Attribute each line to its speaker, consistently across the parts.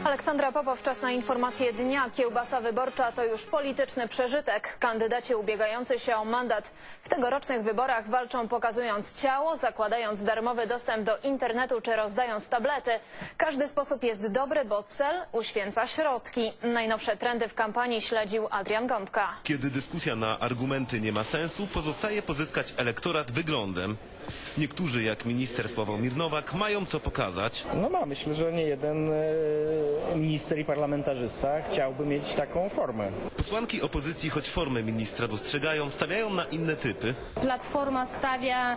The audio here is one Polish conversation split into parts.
Speaker 1: Aleksandra Popow, czas na informacje dnia. Kiełbasa wyborcza to już polityczny przeżytek. Kandydaci ubiegający się o mandat w tegorocznych wyborach walczą pokazując ciało, zakładając darmowy dostęp do internetu czy rozdając tablety. Każdy sposób jest dobry, bo cel uświęca środki. Najnowsze trendy w kampanii śledził Adrian Gąbka.
Speaker 2: Kiedy dyskusja na argumenty nie ma sensu, pozostaje pozyskać elektorat wyglądem. Niektórzy, jak minister Sławomir Nowak, mają co pokazać.
Speaker 3: Myślę, że nie jeden minister i parlamentarzysta chciałby mieć taką formę.
Speaker 2: Posłanki opozycji, choć formę ministra dostrzegają, stawiają na inne typy.
Speaker 4: Platforma stawia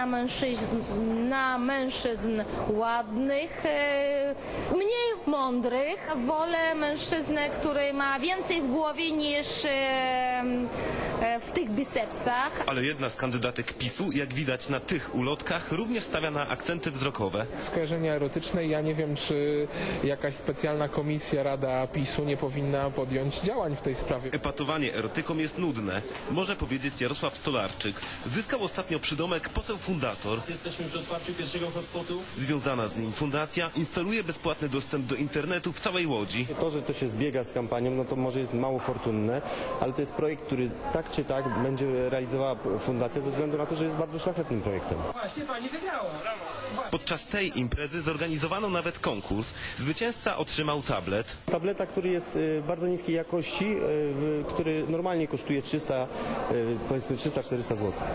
Speaker 4: na mężczyzn ładnych, mniej mądrych. Wolę mężczyznę, który ma więcej w głowie niż w tych bicepcach.
Speaker 2: Ale jedna z kandydatek PiS-u, jak widać na tych ulotkach, również stawia na akcenty wzrokowe.
Speaker 5: Skojarzenia erotyczne, ja nie wiem, czy jakaś specjalna komisja, Rada PiS-u nie powinna podjąć działań w tej sprawie.
Speaker 2: Epatowanie erotyką jest nudne, może powiedzieć Jarosław Stolarczyk. Zyskał ostatnio przydomek poseł fundator.
Speaker 6: Jesteśmy przy otwarciu pierwszego hotspotu.
Speaker 2: Związana z nim fundacja instaluje bezpłatny dostęp do internetu w całej Łodzi.
Speaker 7: To, że to się zbiega z kampanią, no to może jest mało fortunne, ale to jest projekt, który tak czy tak będzie realizowała fundacja ze względu na to, że jest bardzo szlachetnym projektem.
Speaker 6: Właśnie pani wygrała.
Speaker 2: Podczas tej imprezy zorganizowano nawet konkurs. Zwycięzca otrzymał tablet.
Speaker 7: Tableta, który jest bardzo niskiej jakości, który normalnie kosztuje 300-400 zł.